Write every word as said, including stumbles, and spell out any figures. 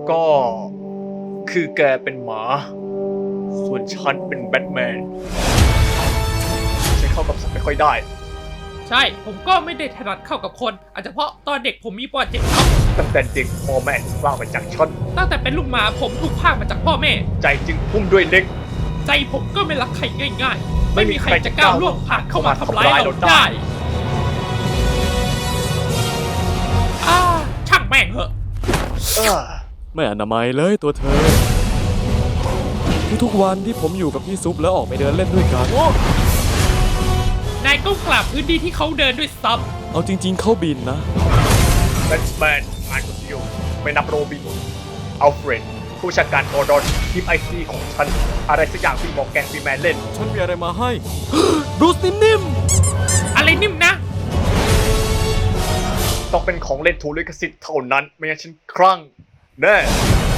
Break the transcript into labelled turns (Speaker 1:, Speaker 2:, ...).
Speaker 1: ก็คือแกเป็นหมา ส่วนฉันเป็นแบทแมนฉันเข้ากับสัตว์ไม่ค่อยได้
Speaker 2: ใช่ผมก็ไม่ได้ถนัดเข้ากับคน อาจจะเพราะตอนเด็กผมมีปอดเจ็บครับ
Speaker 1: ตั้งแต่เด็กพ่อแม่สร้างมาจากฉัน
Speaker 2: ตั้งแต่เป็นลูกหมาผมถูกพรากมาจากพ่อแม่
Speaker 1: ใจจึงพุ่มด้วยเล็ก
Speaker 2: ใจผมก็ไม่รักใครง่ายๆ
Speaker 1: ไม่
Speaker 2: ไม่
Speaker 1: มี
Speaker 2: มี
Speaker 1: ใค
Speaker 2: ใค
Speaker 1: ร
Speaker 2: ร
Speaker 1: จะ
Speaker 2: จะ
Speaker 1: ก้า
Speaker 2: ก้าว ว
Speaker 1: ล่
Speaker 2: ล่
Speaker 1: ว
Speaker 2: ว
Speaker 1: ง
Speaker 2: ง
Speaker 1: ผ่า
Speaker 2: ผ่าน น
Speaker 1: เข้า
Speaker 2: เข้า
Speaker 1: มา
Speaker 2: มา
Speaker 1: ทำ
Speaker 2: ทำ
Speaker 1: ร้า
Speaker 2: ร้าย ย
Speaker 1: เรา
Speaker 2: เรา
Speaker 1: ได้
Speaker 2: ได้อ่าช่างแม่งเหอะ
Speaker 1: เออ
Speaker 3: ไม่อนามัยเลยตัวเธอ ทุกๆวันที่ผมอยู่กับพี่ซุปแล้วออกไปเดินเล่นด้วยกัน
Speaker 2: นายก็กลับพื้นที่ที่เขาเดินด้วยซ้
Speaker 3: เอาจริงๆเข้าบินนะ
Speaker 1: แบทแมนงานคนเดียวไม่นับโรบินอัลเฟรดผู้บัญชาการกอร์ดอนทีมไอซีของฉัน อะไรสักอย่างที่บอกแกนฟรีแมนเล่น
Speaker 3: ฉันมีอะไรมาให้ บรูซนิ่ม
Speaker 2: ำอะไรนิ่มนะ
Speaker 1: ต้องเป็นของเล่นถูกลิขสิทธิ์เท่านั้น ไม่งั้นฉันคลั่งแน่
Speaker 3: ๆ